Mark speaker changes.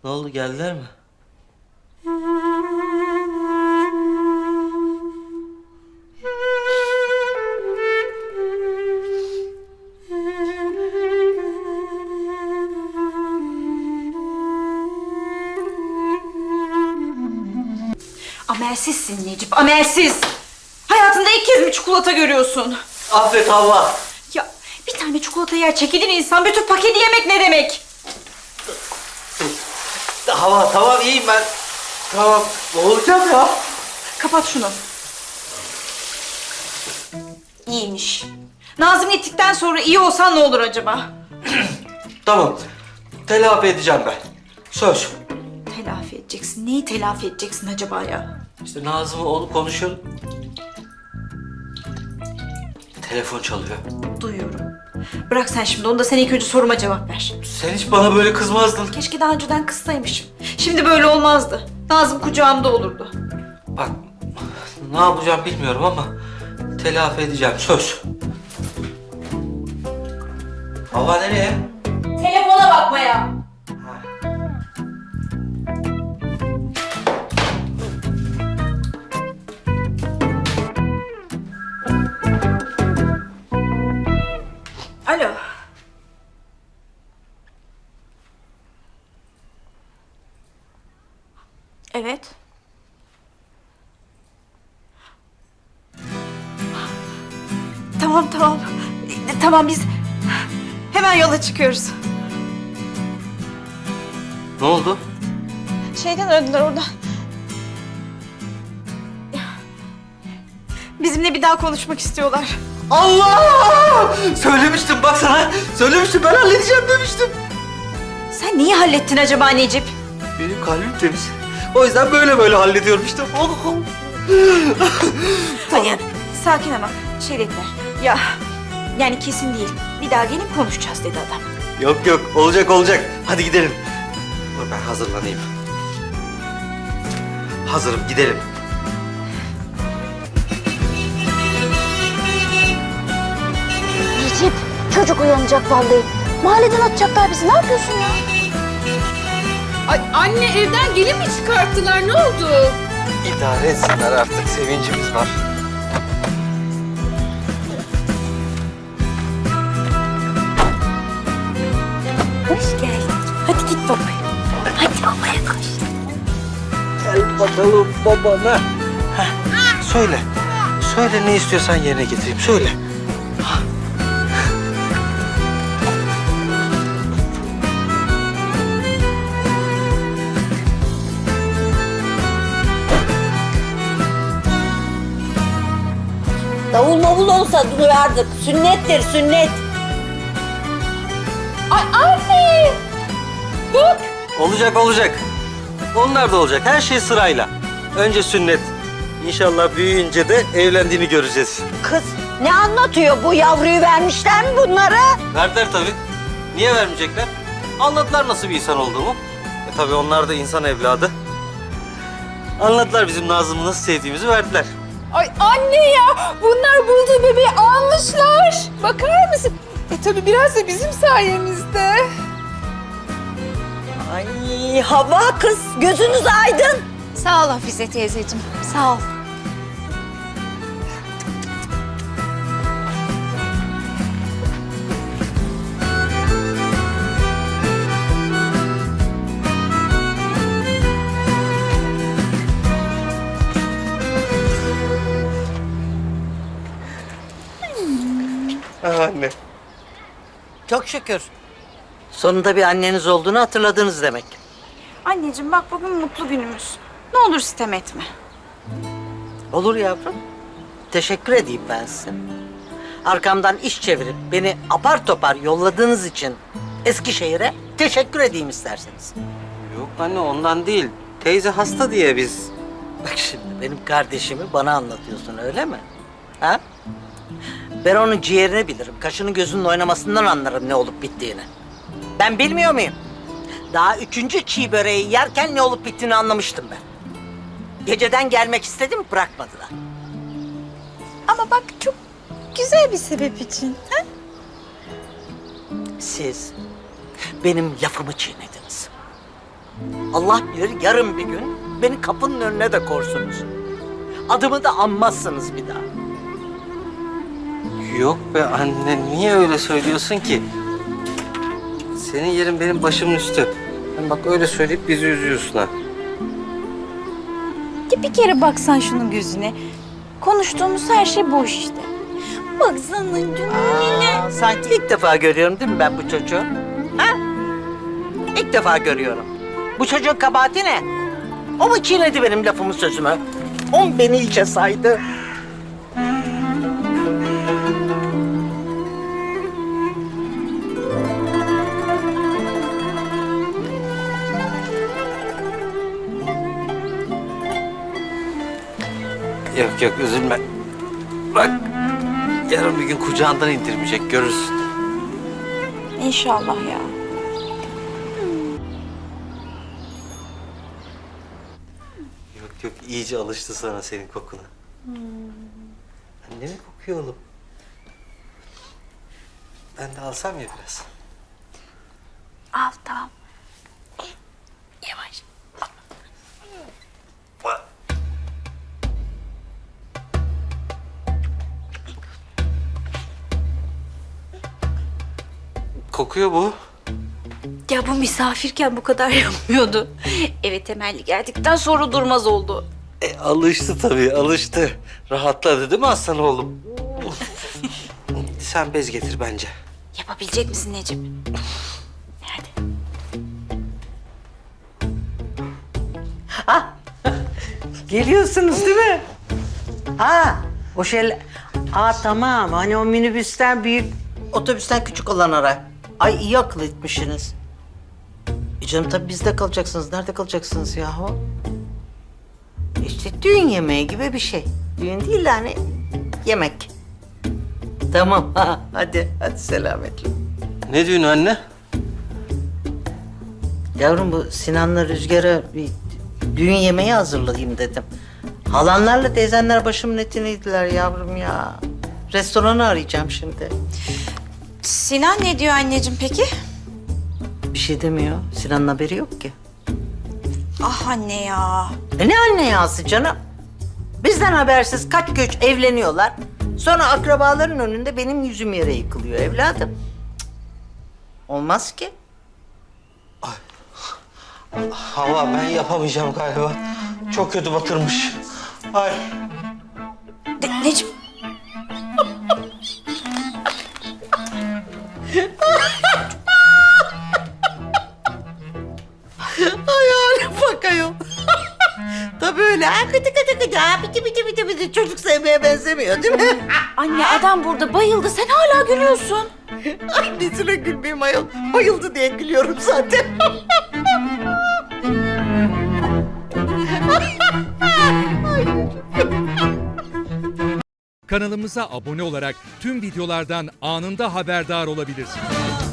Speaker 1: Ne oldu, geldiler mi?
Speaker 2: Amelsizsin Necip, amelsiz. Hayatında ilk kez mi çikolata görüyorsun?
Speaker 1: Affet Havva.
Speaker 2: Ya bir tane çikolata yer çekilir insan, bütün paketi yemek ne demek?
Speaker 1: Havva tamam, iyiyim ben. Tamam, boğulacağım ya.
Speaker 2: Kapat şunu. İyiymiş. Nazım gittikten sonra iyi olsan ne olur acaba?
Speaker 1: Tamam, telafi edeceğim ben. Söz.
Speaker 2: Telafi edeceksin. Neyi telafi edeceksin acaba ya?
Speaker 1: İşte Nazım'la onu konuşuyorum. Telefon çalıyor.
Speaker 2: Duyuyorum. Bırak sen şimdi onu da, sen ilk önce soruma cevap ver.
Speaker 1: Sen hiç bana böyle kızmazdın.
Speaker 2: Keşke daha önceden kızsaymışım. Şimdi böyle olmazdı. Nazım kucağımda olurdu.
Speaker 1: Bak, ne yapacağım bilmiyorum ama telafi edeceğim, söz. Havva nereye?
Speaker 2: Telefona bakmaya. Alo. Evet. Tamam. Tamam, biz hemen yola çıkıyoruz.
Speaker 1: Ne oldu?
Speaker 2: Şeyden aradılar oradan. Bizimle bir daha konuşmak istiyorlar.
Speaker 1: Allah! Söylemiştim bak sana. Söylemiştim, ben halledeceğim demiştim.
Speaker 2: Sen neyi hallettin acaba Necip?
Speaker 1: Benim kalbim temiz. O yüzden böyle hallediyorum işte.
Speaker 2: Hayır, sakin ama şey dediler. Ya, yani kesin değil. Bir daha gelip konuşacağız dedi adam.
Speaker 1: Yok, olacak. Hadi gidelim. Dur ben hazırlanayım. Hazırım, gidelim.
Speaker 3: Necip, çocuk uyanacak vallahi. Mahalleden atacaklar bizi. Ne yapıyorsun ya?
Speaker 4: Ay anne, evden gelin mi çıkarttılar? Ne oldu?
Speaker 1: İdare etsinler artık, sevincimiz var.
Speaker 3: Hoş geldin. Hadi git babaya. Hadi babaya koş.
Speaker 1: Gel bakalım babana. Söyle. Söyle, ne istiyorsan yerine getireyim, söyle.
Speaker 5: Davul mavul olsa duyardık. Sünnettir, sünnet.
Speaker 4: Ay anne! Bak!
Speaker 1: Olacak. Onlar da olacak, her şey sırayla. Önce sünnet. İnşallah büyüyünce de evlendiğini göreceğiz.
Speaker 5: Kız ne anlatıyor bu? Yavruyu vermişler mi bunlara?
Speaker 1: Verdiler tabii. Niye vermeyecekler? Anladılar nasıl bir insan olduğumu. Tabii onlar da insan evladı. Anladılar bizim Nazım'ı nasıl sevdiğimizi, verdiler.
Speaker 4: Ay anne ya! Bunlar bulduğu bebeği almışlar. Bakar mısın? Tabii biraz da bizim sayemizde.
Speaker 5: Ay hava kız, gözünüz aydın.
Speaker 3: Sağ ol Hafize teyzeciğim. Sağ ol.
Speaker 1: Anne.
Speaker 6: Çok şükür. Sonunda bir anneniz olduğunu hatırladınız demek.
Speaker 2: Anneciğim bak, bugün mutlu günümüz. Ne olur sitem etme.
Speaker 6: Olur yavrum. Teşekkür edeyim ben size. Arkamdan iş çevirip beni apar topar yolladığınız için Eskişehir'e teşekkür edeyim isterseniz.
Speaker 1: Yok anne, ondan değil. Teyze hasta diye biz.
Speaker 6: Bak şimdi benim kardeşimi bana anlatıyorsun, öyle mi? Ha? Ben onun ciğerini bilirim. Kaşının gözünün oynamasından anlarım ne olup bittiğini. Ben bilmiyor muyum? Daha 3. çiğ böreği yerken ne olup bittiğini anlamıştım ben. Geceden gelmek istedim, bırakmadılar.
Speaker 3: Ama bak, çok güzel bir sebep için. Ha?
Speaker 6: Siz benim lafımı çiğnediniz. Allah bilir yarın bir gün beni kapının önüne de korsunuz. Adımı da anmazsınız bir daha.
Speaker 1: Yok be anne, niye öyle söylüyorsun ki? Senin yerin benim başımın üstü. Hem bak öyle söyleyip bizi üzüyorsun ha.
Speaker 2: Ya bir kere baksan şunun gözüne. Konuştuğumuz her şey boş işte. Baksana canım.
Speaker 6: Sanki ilk defa görüyorum değil mi ben bu çocuğu? Ha? İlk defa görüyorum. Bu çocuğun kabahati ne? O mu çiğnedi benim lafımı sözümü? O mu beni içe saydı?
Speaker 1: Yok yok, üzülme. Bak, yarın bir gün kucağından indirmeyecek, görürsün.
Speaker 2: İnşallah ya.
Speaker 1: Yok yok, iyice alıştı sana senin kokuna. Anne mi kokuyor oğlum? Ben de alsam ya biraz.
Speaker 2: Al tamam. Yavaş.
Speaker 1: Bak. Kokuyor bu.
Speaker 2: Ya bu misafirken bu kadar yapmıyordu. Eve temelli geldikten sonra durmaz oldu.
Speaker 1: Alıştı tabii, alıştı. Rahatladı değil mi aslan oğlum? Sen bez getir bence.
Speaker 2: Yapabilecek misin Necip? Hadi.
Speaker 6: Geliyorsunuz değil mi? Ha, o şeyler... tamam. Hani o minibüsten büyük, otobüsten küçük olan ara. Ay iyi akıl etmişsiniz. Canım tabii bizde kalacaksınız. Nerede kalacaksınız yahu? İşte düğün yemeği gibi bir şey. Düğün değil de hani yemek. Tamam hadi selametle.
Speaker 1: Ne diyorsun anne?
Speaker 6: Yavrum bu Sinan'la Rüzgar'a bir düğün yemeği hazırlayayım dedim. Halanlarla teyzenler başımın etiniydiler yavrum ya. Restoranı arayacağım şimdi.
Speaker 2: Sinan ne diyor anneciğim peki?
Speaker 6: Bir şey demiyor. Sinan'ın haberi yok ki.
Speaker 2: Ah anne ya.
Speaker 6: Ne anne yası canım? Bizden habersiz kaç göç evleniyorlar. Sonra akrabaların önünde benim yüzüm yere yıkılıyor evladım. Cık. Olmaz ki.
Speaker 1: Hava, ben yapamayacağım galiba. Çok kötü batırmış. Ay.
Speaker 2: Necip.
Speaker 6: Ay hale bak ayol. Tabii öyle. Kıtı kıtı kıtı. Biti biti. Çocuk sevmeye benzemiyor değil mi?
Speaker 2: Anne adam burada bayıldı. Sen hala gülüyorsun.
Speaker 6: Annesine gülmeyeyim ayol. Bayıldı diye gülüyorum zaten.
Speaker 7: Kanalımıza abone olarak tüm videolardan anında haberdar olabilirsiniz.